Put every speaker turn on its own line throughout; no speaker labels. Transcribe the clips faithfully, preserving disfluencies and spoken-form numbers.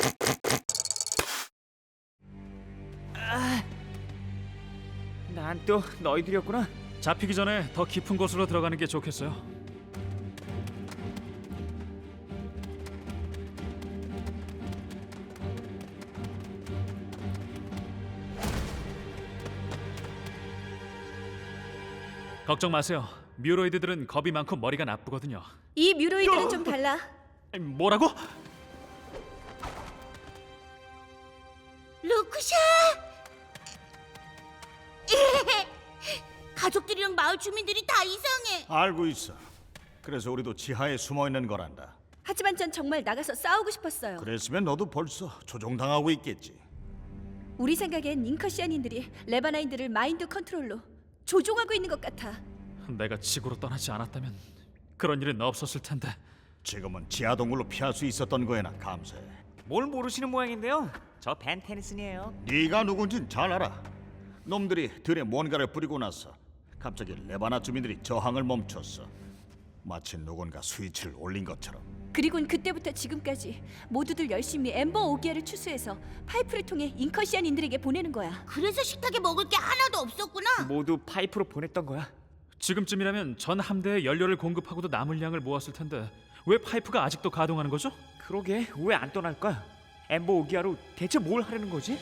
난 또 너희들이었구나.
잡히기 전에 더 깊은 곳으로 들어가는 게 좋겠어요. 걱정 마세요. 뮤로이드들은 겁이 많고 머리가 나쁘거든요.
이 뮤로이드는 좀 달라.
아니, 뭐라고?
루크샤! 가족들이랑 마을 주민들이 다 이상해.
알고 있어. 그래서 우리도 지하에 숨어 있는 거란다.
하지만 전 정말 나가서 싸우고 싶었어요.
그랬으면 너도 벌써 조종당하고 있겠지.
우리 생각엔 잉커시안인들이 레바나인들을 마인드 컨트롤로 조종하고 있는 것 같아.
내가 지구로 떠나지 않았다면 그런 일은 없었을 텐데.
지금은 지하 동굴로 피할 수 있었던 거에나 감사해.
뭘 모르시는 모양인데요. 저 벤 테니슨이에요.
네가 누군진 잘 알아. 놈들이 들에 뭔가를 뿌리고 나서 갑자기 레바나 주민들이 저항을 멈췄어. 마치 누군가 스위치를 올린 것처럼.
그리곤 그때부터 지금까지 모두들 열심히 엠버 오기아를 추수해서 파이프를 통해 잉커시안인들에게 보내는 거야.
그래서 식탁에 먹을 게 하나도 없었구나.
모두 파이프로 보냈던 거야.
지금쯤이라면 전 함대에 연료를 공급하고도 남을 양을 모았을 텐데 왜 파이프가 아직도 가동하는 거죠?
그러게 왜 안 떠날까? 엠버 오기아로 대체 뭘 하려는 거지?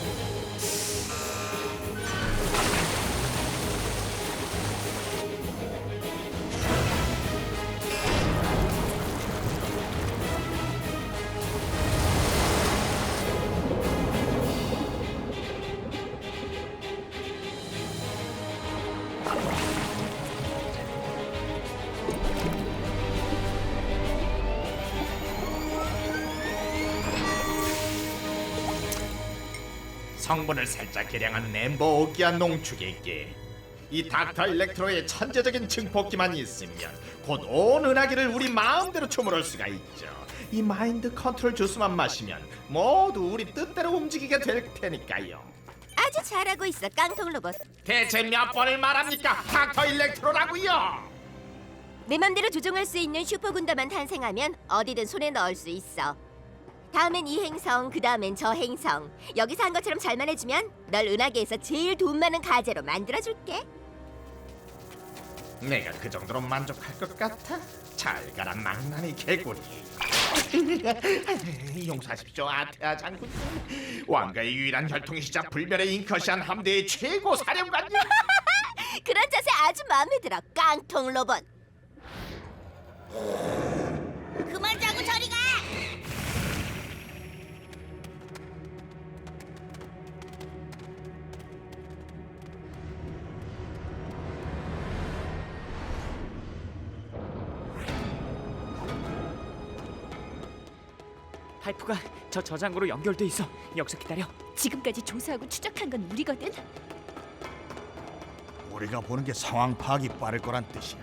성분을 살짝 개량한 엠버 오기아 농축액기. 이 닥터 일렉트로의 천재적인 증폭기만 있으면 곧 온 은하계를 우리 마음대로 초월할 수가 있죠. 이 마인드 컨트롤 주스만 마시면 모두 우리 뜻대로 움직이게 될 테니까요.
아주 잘하고 있어, 깡통 로봇.
대체 몇 번을 말합니까? 닥터 일렉트로라고요.
내 맘대로 조종할 수 있는 슈퍼 군단만 탄생하면 어디든 손에 넣을 수 있어. 다음엔 이 행성, 그 다음엔 저 행성. 여기서 한 것처럼 잘만 해주면 널 은하계에서 제일 돈 많은 가재로 만들어줄게.
내가 그 정도로 만족할 것 같아? 잘 가라 망나니 개구리. 용서하십시오 아테아 장군. 왕가의 유일한 혈통이시자 불멸의 잉커시안 함대의 최고 사령관님.
그런 자세 아주 마음에 들어, 깡통 로봇. 그만 자고 저리 가!
파이프가 저 저장고로 연결돼 있어. 여기서 기다려.
지금까지 조사하고 추적한 건 우리거든.
우리가 보는 게 상황 파악이 빠를 거란 뜻이야.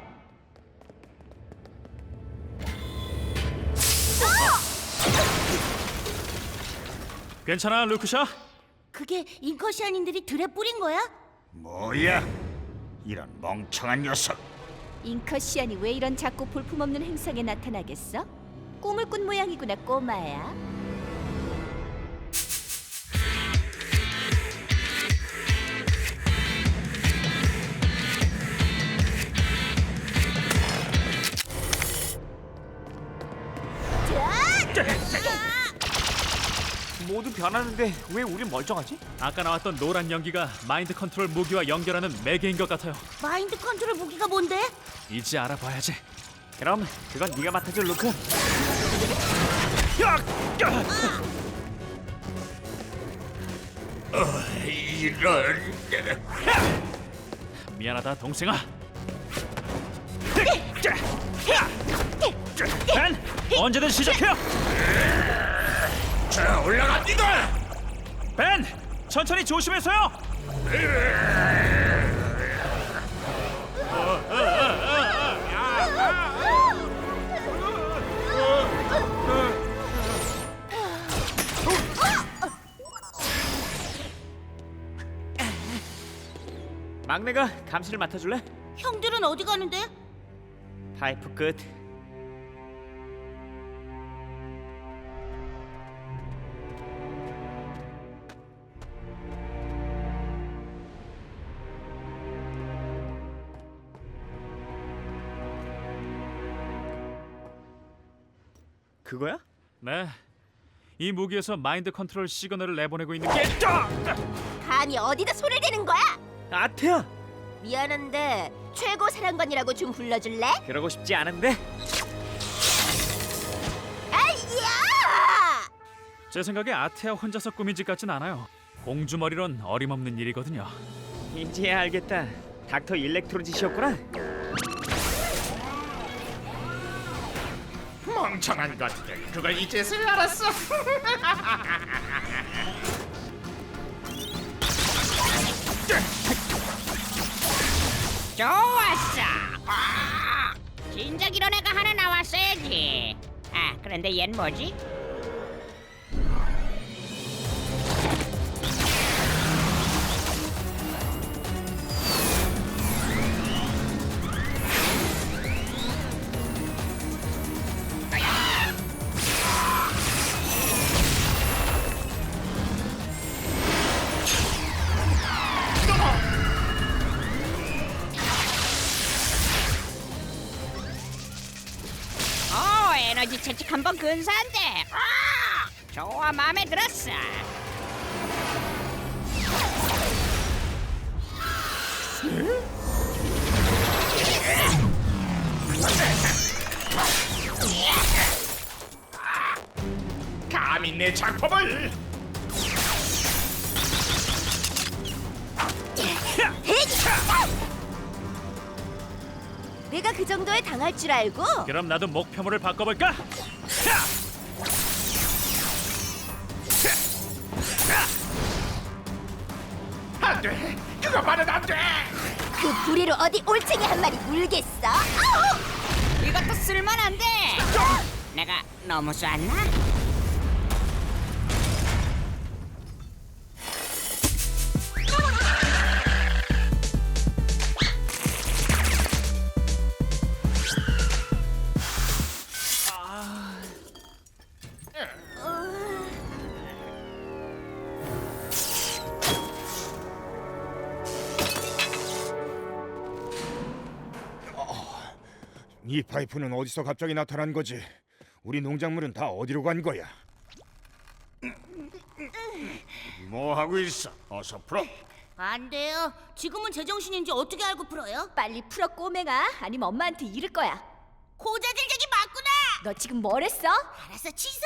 괜찮아, 루크샤?
그게 잉커시안인들이 들에 뿌린 거야?
뭐야? 이런 멍청한 녀석.
잉커시안이 왜 이런 작고 볼품없는 행성에 나타나겠어? 꿈을 꾼 모양이구나, 꼬마야.
모두 변하는데 왜 우린 멀쩡하지?
아까 나왔던 노란 연기가 마인드 컨트롤 무기와 연결하는 매개인 것 같아요.
마인드 컨트롤 무기가 뭔데?
이제 알아봐야지.
그럼 그건 네가 맡아줘, 루크.
이런.
미안하다, 동생아. 벤, 언제든 시작해요.
자 올라갑니다.
벤, 천천히 조심해서요.
막내가 감시를 맡아줄래?
형들은 어디 가는데?
파이프 끝. 벤, 천천히 조심해서요. 벤, 언제든 시작해요. 자, 올라갑니다. 벤, 천천히 조심해서요. 벤, 막내가 감시를 맡아줄래? 파이프 끝. 파이프 끝. 파이프 끝. 파이프 끝. 파이프 끝. 파이프 끝. 파이프 끝. 파이프 끝. 파이프 끝. 그거야?
네. 이 무기에서 마인드 컨트롤 시그널을 내보내고 있는 게 아!
감히 어디다 손을 대는 거야?
아테야!
미안한데 최고 사령관이라고 좀 불러줄래?
그러고 싶지 않은데.
아이야!
제 생각에 아테아 혼자서 꾸민 짓 같진 않아요. 공주머리론 어림없는 일이거든요.
이제야 알겠다. 닥터 일렉트로 짓이었구나.
멍청한 것들, 그걸 이제서야 알았어.
좋았어. 아, 진작 이런 애가 하나 나왔어야지. 아, 그런데 얜 뭐지? 어, 에너지 채찍 한 번 근사한데. 아, 좋아, 마음에 들었어.
감히 내 작품을.
내가 그 정도에 당할 줄 알고?
그럼 나도 목표물을 바꿔볼까?
안 돼, 그거만은 안 돼.
그 부리로 어디 올챙이 한 마리 물겠어? 아우!
이것도 쓸만한데. 내가 너무 쐈나?
이 파이프는 어디서 갑자기 나타난 거지? 우리 농작물은 다 어디로 간 거야?
뭐 하고 있어? 어서 풀어.
안 돼요. 지금은 제정신인지 어떻게 알고 풀어요?
빨리 풀어 꼬맹아. 아니면 엄마한테 이를 거야.
고자질적이 맞구나.
너 지금 뭘 했어?
알았어, 취소.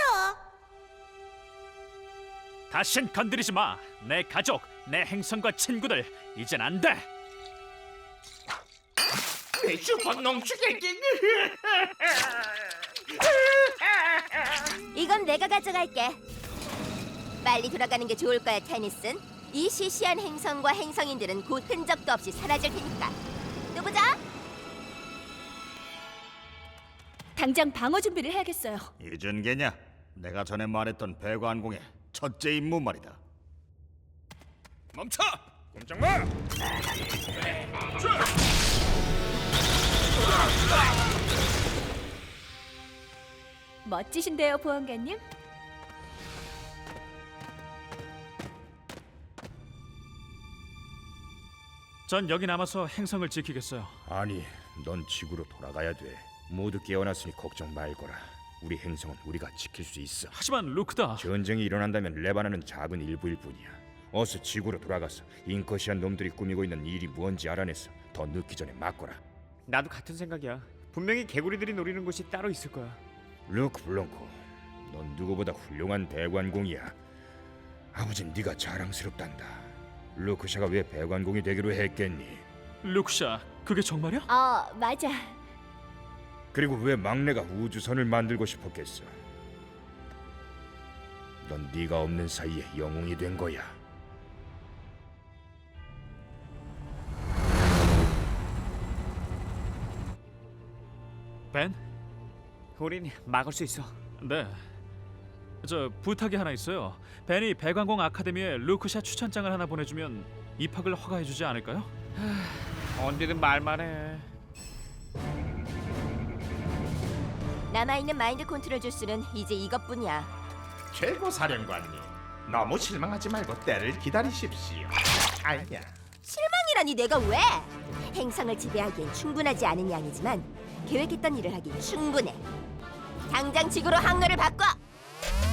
다신 건드리지 마. 내 가족, 내 행성과 친구들 이젠 안 돼.
내 슈퍼농 주객기.
이건 내가 가져갈게. 빨리 돌아가는 게 좋을 거야, 테니슨. 이 시시한 행성과 행성인들은 곧 흔적도 없이 사라질 테니까. 또 보자.
당장 방어 준비를 해야겠어요.
이전 개냐? 내가 전에 말했던 배관공의 첫째 임무 말이다.
멈춰! 꼼짝 마!
멋지신데요, 보안관님.
전 여기 남아서 행성을 지키겠어요.
아니, 넌 지구로 돌아가야 돼. 모두 깨어났으니 걱정 말거라. 우리 행성은 우리가 지킬 수 있어.
하지만 루크다.
전쟁이 일어난다면 레바나는 작은 일부일 뿐이야. 어서 지구로 돌아가서 인커시안 놈들이 꾸미고 있는 일이 뭔지 알아내서 더 늦기 전에 막거라.
나도 같은 생각이야. 분명히 개구리들이 노리는 곳이 따로 있을 거야.
루크 블랑코, 넌 누구보다 훌륭한 배관공이야. 아버진 네가 자랑스럽단다. 루크샤가 왜 배관공이 되기로 했겠니?
루크샤, 그게 정말이야?
어, 맞아.
그리고 왜 막내가 우주선을 만들고 싶었겠어? 넌 네가 없는 사이에 영웅이 된 거야.
벤?
우린 막을 수 있어.
네. 저 부탁이 하나 있어요. 벤이 배관공 아카데미에 루크샤 추천장을 하나 보내주면 입학을 허가해주지 않을까요?
언제든 말만 해.
남아있는 마인드 컨트롤 주스는 이제 이것뿐이야.
최고 사령관님, 너무 실망하지 말고 때를 기다리십시오. 아니야.
실망이라니 내가 왜? 행성을 지배하기엔 충분하지 않은 양이지만 계획했던 일을 하긴 충분해. 당장 지구로 항로를 바꿔.